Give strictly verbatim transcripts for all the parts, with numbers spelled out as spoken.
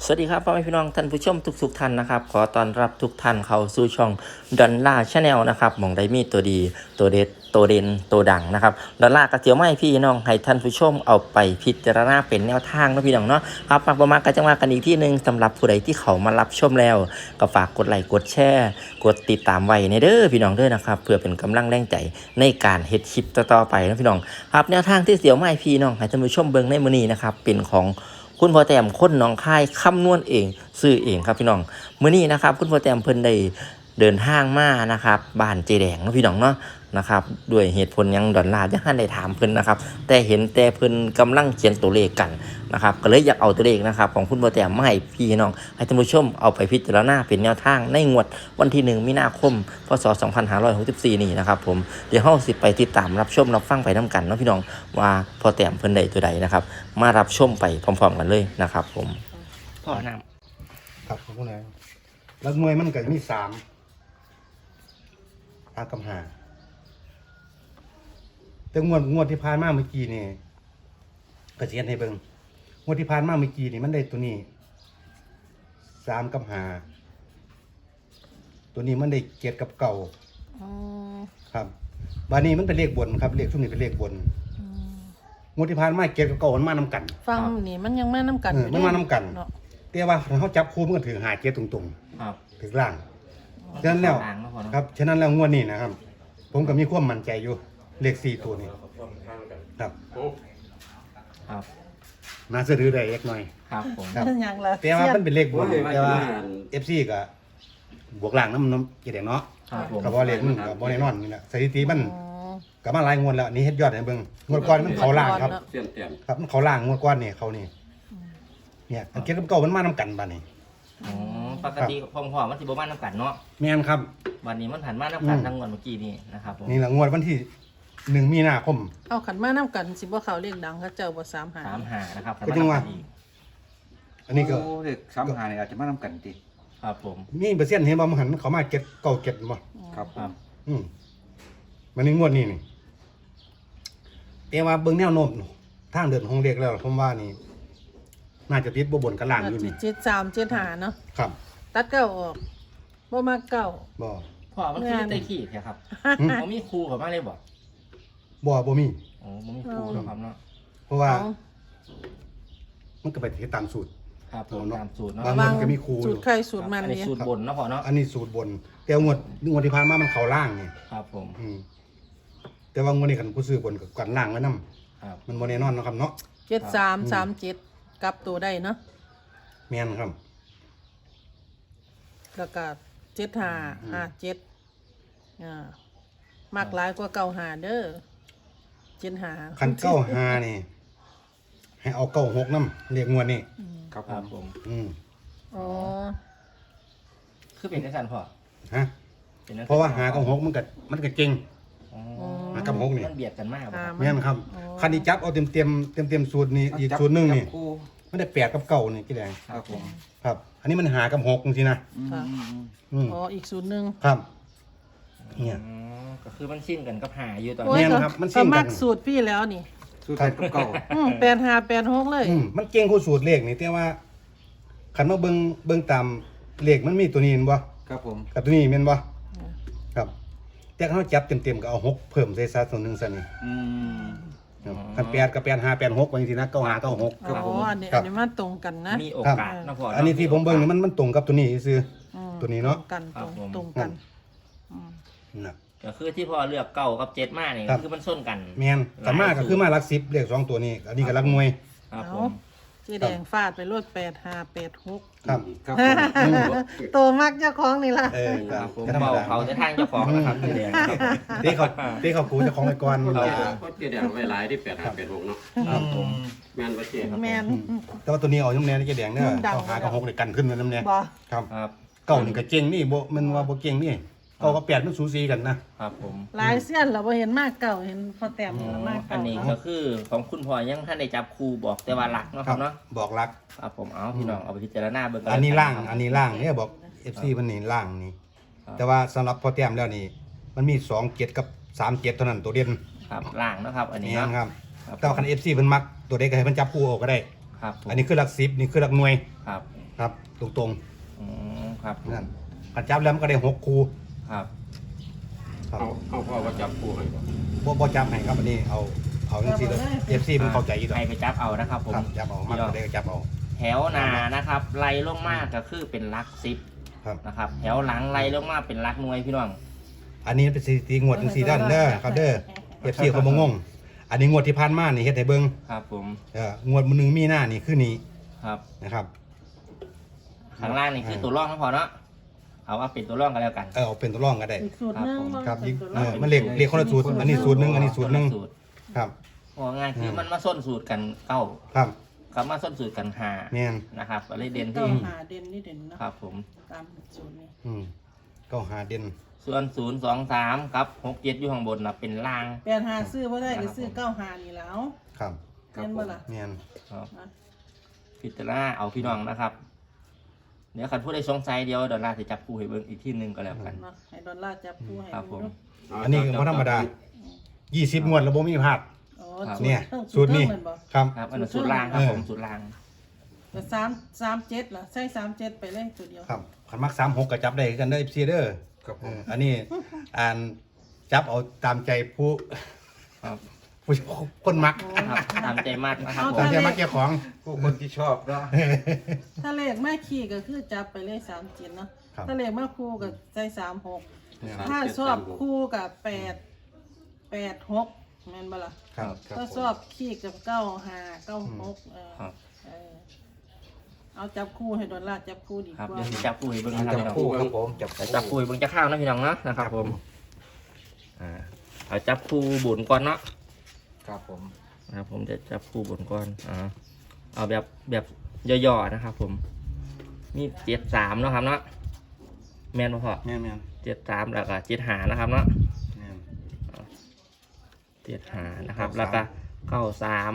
สวัสดีครับพ่อแม่พี่น้องท่านผู้ชมทุกๆท่านนะครับขอต้อนรับทุกท่านเข้าสู่ช่องดอลล่าชาแนลนะครับหม่องได้มีตัวดีตัวเด็ดตัวเด่นตัวดังนะครับดอลล่ากระเจียวไม่พี่น้องให้ท่านผู้ชมเอาไปพิจารณาเป็นแนวทางนะพี่น้องเนาะครับมาประมาณกันจังว่ากันอีกที่หนึ่งสำหรับผู้ใดที่เขามารับชมแล้วก็ฝากกดไลค์กดแชร์กดติดตามไว้ในเด้อพี่น้องเด้อนะครับเพื่อเป็นกำลังแรงใจในการเฮ็ดคลิปต่อๆไปนะพี่น้องครับแนวทางที่เสียวไม่พี่น้องให้ท่านผู้ชมเบิ่งในมื้อนี้นะครับเป็นของคุณพ่อแต้มคนหนองคายคำนวณเองซื้อเองครับพี่น้องมื้อนี้นะครับคุณพ่อแต้มเพิ่นได้เดินทางมานะครับบ้านเจแดงเนาะพี่น้องเนาะนะครับด้วยเหตุผลยังดอนลายังทันได้ถามเพิ่นนะครับแต่เห็นแต่เพิ่นกำลังเขียนตัวเลขกันนะครับก็เลยอยากเอาตัวเลขนะครับของคุณพ่อแต้มมาให้พี่น้องให้ท่านผู้ชมเอาไปพิจารณาเป็นแนวทางในงวดวันที่หนึ่งมีนาคมพศสองพันห้าร้อยหกสิบสี่นี่นะครับผมเดี๋ยวเฮาสิไปติดตามรับชมรับฟังไปนํกันเนาะพี่น้องว่าพ่อแต้มเพิ่นได้ตัวใดนะครับมารับชมไปพร้อมๆกันเลยนะครับผมพ่อน้ำครับของคนไหนแล้วมวยมันก็จะมีสามอากำหาแต่งวดงวดที่ผ่านมาเมื่อกี้นี่กระเจียนให้เบิ่งงวดที่ผ่านมาเมื่อกี้นี่มันได้ตัวนี้สามกำหาตัวนี้มันได้เกียรติกับเก่าครับบานี้มันเป็นเลขบนครับเลขช่วงนี้เป็นเลขบนงวดที่ผ่านมาเกียรติกับเก่ามันมานำกันฟังนี่มันยังมานำกันเออมันมานำกันเนาะแต่ว่าเขาจับคู่มันก็ถือหาเกียรติตรงครับๆถือล่างฉะนั้นแล้วทางเนาะพ่อเนาะครับฉะนั้นแล้วงวดนี้นะครับ ผมก็มีความมั่นใจอยู่เลขสี่ตัวนี้ครับครับน่าจะถือได้เล็กน้อยครับผมครับยังละแต่ว่ามันเป็นเลขบนโอ้ยแต่ว่าว่าเอฟซีก็บวกล่างน้ำน้ำกี่แดงเนาะครับผมกับว่าเลขมันกับบอลแน่นอนนี่แหละสถิติมันอ๋อกับมาหลายงวดแล้วนี่เฮ็ดยอดให้เบิ่งงวดก่อนมันเขาล่างครับเสี้ยนเตียนครับมันเขาล่างงวดก่อนนี่เขานี่เนี่ยอันเก็บกับเก่ามันมานํกันบัดนี้อ๋อปกติพ่อพ่อมันสิบ่มาน้ำกันเนาะแม่นครับวันนี้มันผ่านมาน้ำกันอืมทั้งวันเมื่อกี้นี่นะครับผมนี่แหละงวดวันที่หนึ่งมีนาคมเอาขันมานำกันสิบ่เขาเรียกดังเขาเจ้าบ่สามหาสามหานะครับก็จังว่า อันนี้ก็โอ้เด็กสามหาเนี่ยอาจจะมาทำกันติครับผมมีเปอร์เซ็นต์เห็นบ่มันหันเขามาเก็บเก่าเก็บบ่ครับผครัมบอืมมันในงวดนี้นี่แต่ว่าเบิ่งแนวโน้มทางเดินของเด็กแล้วผมว่านี่ น่าจะติดบ่บนกับล่างอยู่นี่เจ็ดสามเจ็ดหาเนาะครับตัดเก้าออกบ่มาเก้าบ่พ่อมันคือไต้ขี้แค่ครับอืมผมมีครูเขามาเลยบ่บ่บ่มีโอ้ผมมีครูเนาะครับเนาะเพราะว่าเอามันก็ไปที่ตามสูตรครับผมเอาเนาะตามสูตรเนาะบางวางมันก็มีครูสูตรใครสูตรมันอันนี้เนี่ยสูตรบนเนาะพ่อเนาะอันนี้สูตรบน แต่งวดงวดที่ผ่านมามันเข้าล่างนี่ครับผมอืมแต่ว่างวดนี้คันผู้ซื้อบนก็กันล่างไว้นํครับมันบ่แน่นอนเนาะครับเนาะเจ็ดสามสามเจ็ดกลับตัวได้เนาะแม่นครับแล้วก็เจ็ดหาห้าเจ็ดอ่ามากหลายกว่าเก้าหาเด้อเจ็ดหาคันเก้าห้านี่ ให้เอาเก้าหกนำเลขงวดนี้ครับครับผผม มอืมอ๋อคือเป็นได้สันพ่อฮะป็นจังซั่นเพราะว่าหากับหกมันก็มันก็เก่งอ๋อหากับหกนี่มันเบียดกันมากบ่หาครับมัแม่นครับอ๋อคันที่จับเอาเต็มเต็มเต็มเต็มๆสูตรนี่อีกสูตรหนึงนี่จับคู่มันได้แปดกับเก้านี่กี่แดงครับผมครับ อันนี้มันหากับหกจริงๆนะอืมค่ะอืมอืมอืมอ๋ออีกสูตรหนึ่งครับเนี่ยอ๋อก็คือมันชินกันกับหาอยู่ตอนโอ้นี้ยแม่นก็ครับมันสิ้ก็นกันมักสูตรพี่แล้วนี่สู้กันกับเก่าอืมแปดห้าแปดหกเลยอืมมันเก่งคู่สูตรเลขนี่แต่ว่าคันมาเบิ่งเบิ่งตามเลขมันมีตัวนี้เห็นบ่ครับผมกับตัวนี้แม่นบ่ครับ แต่คันเราจับเต็มๆก็เอาหกเพิ่มใส่ซะตัวหนึงซะนี่อืมครับคันแปดกับแปดห้าแปดหกว่าจังซี่นะเก้าห้าเก้าหกอ๋ออันนี้ครัอับนนี้มันตรงกันนะมีโอกาสเนาะพ่ออัอันนี้ที่ผมเบิ่งนี่มันมันตรงกับตัวนี้ซื่ออืมตัวนี้เนาะตรงกันครัตบรงผมตรงกันอืมนะก็คือที่พ่อเลือกเก้ากับเจ็ดมาเนี่ยครัก็บคือมันส้นกันแม่นแต่มากก็คือมาหลักสิบเลขสองตัวนี้ อันนี้ก็หลักหน่วยครับผเอามเจ๊แดงฟาดไปรวดแปดห้าแปดหกครับครับผมโตมักเจ้าของนี่ล่ะเออคก็รับผมก็ธรรมเบาดาเขาจะทางเจ้าของนะครับที่แดงครับเต้เขาเต้เขาคูเจะของไปก่อนครับก็เดี๋ยวไว้หลายที่แปดห้าแปดหกเนาะครับผมแม่นว่าเจ๊ครับแมนแต่ว่าตัวนี้เอาน้ำแน่นี่จะแดงเนี่ยดังเขาหากับหกเลยกันขึ้นมาน้ำแน่บ่ครับครับเก้านี่ก็เก่งนี่บ่มันว่าบ่เก่งนี่เก้ากับแปดมันสูสีกันนะครับผมหลายเส้นเราบ่เห็นมากเก่าเห็นพอแต้มอ๋อแล้วมากอัเก่านนี้เนาะก็คือของคุณพ่อยังท่านได้จับครูบอกแต่ว่าหลักเนาะครับเนาะบอกรักครับผมเอาพี่น้องเอาไปพิจารณาเบิ่งกัอันนี้ล่างครับอันนี้ล่างเนี่ยบอก เอฟ ซี มันนี่ล่างนี่ครับแต่ว่าสำหรับพอแต้มแล้วนี่ มันมีสองเจ็ดกับสามเจ็ดเท่านั้นตัวเด่นครับล่างนะครับ อันนี้นี่เนาะครับครับแต่ว่าคัน เอฟ ซี เพิ่นมักตัวเด็กก็ให้มันจับคู่เอาก็ได้ครับผมอันนี้คือหลักสิบนี่คือหลักหน่วยครับคครับตรงอืมครับๆนั่นขันจับแล้วมันก็ได้หกคู่ครับครับเอาเอาพ่อว่าจับคู่ให้ก่อนบ่บ่จับให้ครับอันนี้เอาเอาจังซี่เลยเอฟซีมันเข้าใจอีกให้ไปจับเอานะครับผมครับจับเอามากก็ได้ก็จับเอาแถวหนานะครับไล่ลงมาก็คือเป็นหลักสิบครับนะครับแถวหลังไล่ลงมาเป็นหลักหน่วยพี่น้องอันนี้เป็นสถิติงวดจังซี่ด้านเด้อครับเด้อเอฟซีเขาบ่งงอันนี้งวดที่ผ่านมานี่เฮ็ดให้เบิ่งครับผมเอองวดมื้อนึงมีหน้านี่คือนี้ครับนะครับข้างล่างนี่คือตัวร่องก็พอเนาะเอาว่าเป็นตัวร่องกันแล้วกันเออเอาเป็นตัวรองก็ได้อีกสูตรหนึงครับเป็นตัวเอรออง มันเลขเลขคนละสูตรอันนี้สูตรหนึงอันนี้สูตรหนึงสูตรครับว่าง่ายคือมันมาส้นสูตรกันเก้าครับกับมาส้นสูตรกันหาแม่นนะครับอะไรเด่นเก้าที่หาเด่นนี่เด่นเนาะครับผมตามสูตรนี้อืมก็หาเด่นส่วนศูนย์สองสามครับหกเจ็ดอยู่ข้างบนนะเป็นล่างแปดหาซื้อบ่ได้ก็ซื้อเก้าหานี่แล้วครับเห็นบ่ล่ะแม่นครับนะพิจารณาเอาพี่น้องนะครับเดี๋ยวคันผู้ใดสงสัยเดียวดอลลาร์จะจับคู่ให้เบิ่งอีกที่หนึ่งก็แล้วกันเนาะให้ดอลลาร์จับคู่ให้ครับผมดูอันนี้ก็บ่ธรรมดายี่สิบงวดแล้วบ่มีพลาดอ๋อครับเนี่ยทั้งสูตรนี้ทั้งมับ่ครับครับอันนั้นสูตรล่างครับเออผมสูตรล่างแต่สามสามเจ็ดล่ะใส่สามเจ็ดไปเลยตัวเดียวครับขันมักสามหกก็จับได้คือกันเด้อ เอฟ ซี เด้อครับผเอมออันนี้อ่านจับเอาตามใจผู้ครับผู้คนมักครับตามใจมากนะครับผตามมใจมักเจ้าของผู้คนที่ชอบเนาะถ้าเลขแม่ขี่ก็คือจับไปเลยสามเจ็ดเนาะครับถ้าเลขแม่คู่ก็ใส่สามหกเนี่ยถ้าชอบคู่กับแปดแปดหกแม่นบ่ล่ะครับครับถ้าชอบขี้กับเก้าห้าเก้าหกเออครับเออเอาจับคู่ให้ดอลลาร์จับคู่ดีครับกว่าเดี๋ยวสิจับคู่ให้เบิ่งนะครับจับพี่น้องคู่ครับผมจับแต่จับคู่ให้เบิ่งจะข้าวนะพี่น้องเนาะนะครับผมอ่าเอาจับคู่บุญก่อนเนาะครับผมนะครับผมจะจับคู่บุญก่อนอ่าเอาแบบแบบย่อๆนะครับผมมีเจ็ดสามเนาะครับเนาะแม่นบ่พอแม่นแม่นเจ็ดสามแล้วก็เจ็ดหานะครับเนาะแม่นเจ็ดหานะครับ แล้วก็เก้าสาม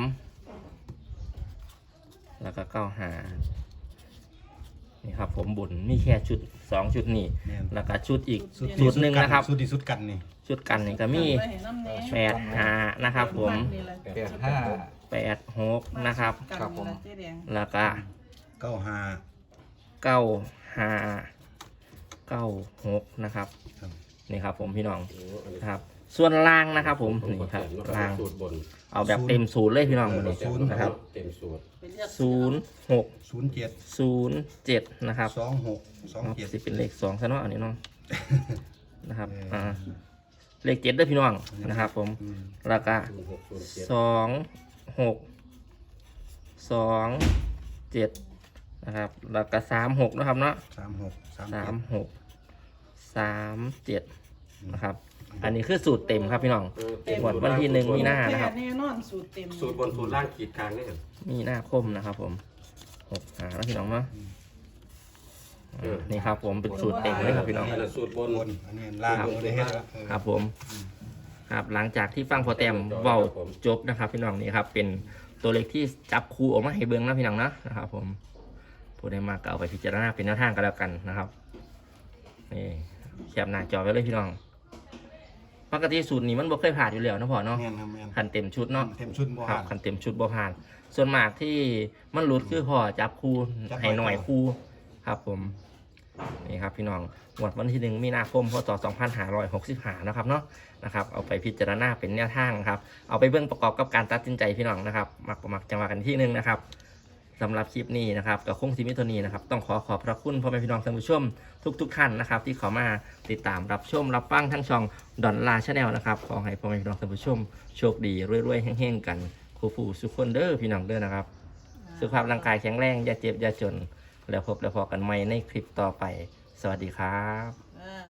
แล้วก็เก้าหานี่ครับผมบุญมีแค่ชุดสองชุดนี่แม่นแล้วก็ชุดอีกสุดชุดหนึ่งนะครับสุดที่สุดกันนี่ชุดกันนี่ก็มีไว้ให้น้ำแหน่แปดหานะครับผมนี่แหละแปดห้าแปดหกนะครับกันครับผมนี่แหละเจ๊แดงแล้วก็เก้าห้าเก้าหาเก้าหกนะครับครับนี่ครับผมพี่น้องโอ้อันนี้นะครับ ส่วนล่างนะครับผมนี่ครับล่างสูตรบนเอาแบบเต็มศูนย์เลยพี่น้องวันนี้ศูนย์นะครับเต็มสูตรไปเลือกศูนย์หกศูนย์เจ็ดศูนย์เจ็ดนะครับสองหกสองเจ็ดสิเป็นเลขสองซะเนาะอันนี้เนาะนะครับเอออ่อ่าเลขเจ็ดด้วยพี่น้องนะครับ ผมอืมแล้วก็ศูนย์หกศูนย์เจ็ดสองหกสองเจ็ดนะครับ แล้วก็สามหกนะครับเนาะสามหกสามสาเจ็มดหกสามเจ็ดนะครับ อันนี้คือสูตรเต็มครับพี่น้องเออหมดวันที่หนึ่งมีนาแปนะครับดแน่นอนสูตรเต็มสูตรบนสูตรล่างขีดกลางนี่เห็นมีหน้าคมนะครับ ผมหกหาแล้วพี่น้องเนาะอ่านี่ครับ ผมเป็นสูตรเต็มเลยครับพี่น้องนี่แหละสูตรบนบนอันนี้ล่างครับบ่ได้เฮ็ดแล้วเออครับผมครับหลังจากที่ฟังพอแต้มเว้าจบนะครับ พี่น้องนี่ครับ เป็นตัวเลขที่จับคู่ออกมาให้เบิ้งนะพี่น้องนะนะครับ ผมผู้ใดมาก็เอาไปพิจารณาเป็นแนวทางกันแล้วกันนะครับนี่แคปหน้าจอไว้เลยพี่น้องปกติสูตรนี้มันบ่เคยผ่านอยู่แล้วนะพ่อเนาะแม่นครับแม่นคันเต็มชุดเนาะเต็มชุดบ่ครัหาบนคันเต็มชุดบ่ผ่าน ส่วนมากที่มันหลุดคือพ่อจับคู่จับให้หน่อยหน่อยคู่ครับ ผมนี่ครับพี่น้องงวดวันที่หนึ่งมีนาคมพศสองพันห้าร้อยหกสิบห้านะครับเนาะนะครับ เอาไปพิจารณาเป็นแนวทางครับ เอาไปเบื้องประกอบกับการตัดสินใจพี่น้องนะครับ มักประมักจังหวะกันที่หนึ่งนะครับสำหรับคลิปนี้นะครับกับคงซิมิโทนีนะครับต้องขอขอบพระคุณพ่อแม่พี่น้องท่านผู้ชมทุกๆท่านนะครับ ที่เข้ามาติดตามรับชมรับฟังทั้งช่องดอนลาชาแนลนะครับขอให้พ่อแม่พี่น้องท่านผู้ชมโชคดีรวยๆแห้งๆกันคู่ผู้สุขคนเด้อพี่น้องเด้อนะครับ สุขภาพร่างกายแข็งแรงอย่าเจ็บอย่าจน แล้วพบแล้วพอกันใหม่ในคลิปต่อไป สวัสดีครับ